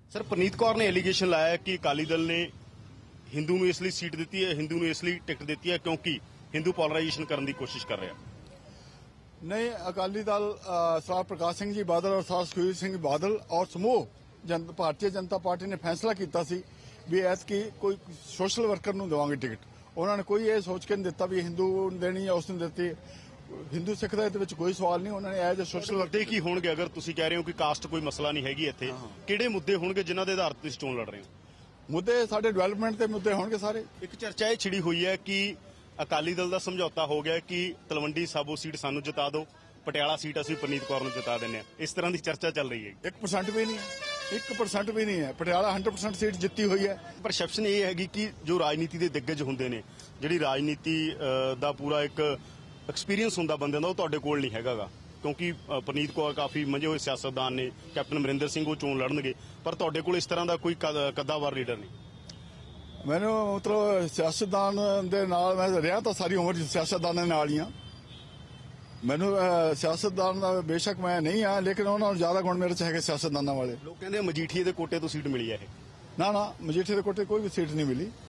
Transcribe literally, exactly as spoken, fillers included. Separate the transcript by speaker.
Speaker 1: Sir Praneet Kaur ਨੇ allegation ਲਾਇਆ ਕਿ ਅਕਾਲੀ ਦਲ ਨੇ ਹਿੰਦੂ ਨੂੰ ਇਸ ਲਈ ਸੀਟ ਦਿੱਤੀ ਹੈ, ਹਿੰਦੂ ਨੂੰ ਇਸ ਲਈ ਟਿਕਟ ਦਿੱਤੀ ਹੈ ਕਿਉਂਕਿ ਹਿੰਦੂ ਪੋਲਰਾਈਜੇਸ਼ਨ ਕਰਨ ਦੀ ਕੋਸ਼ਿਸ਼ ਕਰ ਰਿਹਾ।
Speaker 2: नहीं, अकाली दल सरदार प्रकाश सिंह जी बादल और सरदार सुखबीर सिंह बादल और समूह जन, भारतीय जनता पार्टी ने फैसला किया सी भी ऐतकी कोई सोशल वर्कर नूं देवांगे टिकट। उन्होंने कोई ये सोच के नहीं दिता भी हिंदू देनी है उसने दिती। हिंदू सिख का इहदे विच कोई सवाल नहीं। उन्होंने एज ए सोशल
Speaker 1: ਮੁੱਦੇ ਕੀ ਹੋਣਗੇ ਅਗਰ ਤੁਸੀਂ ਕਹਿ ਰਹੇ ਹੋ ਕਿ ਕਾਸਟ ਕੋਈ ਮਸਲਾ ਨਹੀਂ ਹੈਗੀ ਇੱਥੇ, ਕਿਹੜੇ ਮੁੱਦੇ ਹੋਣਗੇ ਜਿਨ੍ਹਾਂ ਦੇ ਆਧਾਰ ਤੇ ਤੁਸੀਂ ਚੋਣ ਲੜ ਰਹੇ ਹੋ?
Speaker 2: मुद्दे साडे डेवलपमेंट के मुद्दे होणगे सारे।
Speaker 1: ਇੱਕ ਚਰਚਾ ਇਹ ਛਿੜੀ ਹੋਈ ਹੈ ਕਿ ਅਕਾਲੀ ਦਲ ਦਾ ਸਮਝੌਤਾ ਹੋ ਗਿਆ ਕਿ ਤਲਵੰਡੀ ਸਾਬੋ ਸੀਟ ਸਾਨੂੰ ਜਿਤਾ ਦਿਓ, ਪਟਿਆਲਾ ਸੀਟ ਅਸੀਂ ਪ੍ਰਨੀਤ ਕੌਰ ਨੂੰ ਜਿਤਾ ਦਿੰਦੇ ਹਾਂ। ਇਸ ਤਰ੍ਹਾਂ ਦੀ ਚਰਚਾ ਚੱਲ ਰਹੀ ਹੈ।
Speaker 2: एक परसेंट भी नहीं है, एक परसेंट भी नहीं है। पटियाला हंड्रेड परसेंट सीट जित्ती हुई है।
Speaker 1: ਪਰਸੈਪਸ਼ਨ ਇਹ ਹੈਗੀ ਕਿ ਜੋ ਰਾਜਨੀਤੀ ਦੇ ਦਿੱਗਜ ਹੁੰਦੇ ਨੇ, ਜਿਹੜੀ ਰਾਜਨੀਤੀ ਦਾ ਪੂਰਾ ਇੱਕ ਐਕਸਪੀਰੀਅੰਸ ਹੁੰਦਾ ਬੰਦਿਆਂ ਦਾ, ਉਹ ਤੁਹਾਡੇ ਕੋਲ ਨਹੀਂ ਹੈਗਾਗਾ ਕਿਉਂਕਿ ਪ੍ਰਨੀਤ ਕੌਰ ਕਾਫੀ ਮੰਝੇ ਹੋਏ ਸਿਆਸਤਦਾਨ ਨੇ, ਕੈਪਟਨ ਅਮਰਿੰਦਰ ਸਿੰਘ ਉਹ ਚੋਣ ਲੜਨਗੇ, ਪਰ ਤੁਹਾਡੇ ਕੋਲ ਇਸ ਤਰ੍ਹਾਂ ਦਾ ਕੋਈ ਕੱਦਾਵਰ ਲੀਡਰ ਨਹੀਂ।
Speaker 2: ਮੈਨੂੰ ਮਤਲਬ ਸਿਆਸਤਦਾਨ ਦੇ ਨਾਲ ਮੈਂ ਰਿਹਾ ਤਾਂ ਸਾਰੀ ਉਮਰ ਸਿਆਸਤਦਾਨਾਂ ਦੇ ਨਾਲ ਹੀ ਆ। ਮੈਨੂੰ ਸਿਆਸਤਦਾਨ ਦਾ ਬੇਸ਼ੱਕ ਮੈਂ ਨਹੀਂ ਆ, ਲੇਕਿਨ ਉਹਨਾਂ ਨੂੰ ਜ਼ਿਆਦਾ ਗੁਣ ਮੇਰੇ ਚ ਹੈਗੇ ਸਿਆਸਤਦਾਨਾਂ ਵਾਲੇ।
Speaker 1: ਲੋਕ ਕਹਿੰਦੇ ਮਜੀਠੀਏ ਦੇ ਕੋਟੇ ਤੋਂ ਸੀਟ ਮਿਲੀ ਹੈ ਇਹ।
Speaker 2: ਨਾ ਨਾ, ਮਜੀਠੇ ਦੇ ਕੋਟੇ ਕੋਈ ਵੀ ਸੀਟ ਨਹੀਂ ਮਿਲੀ।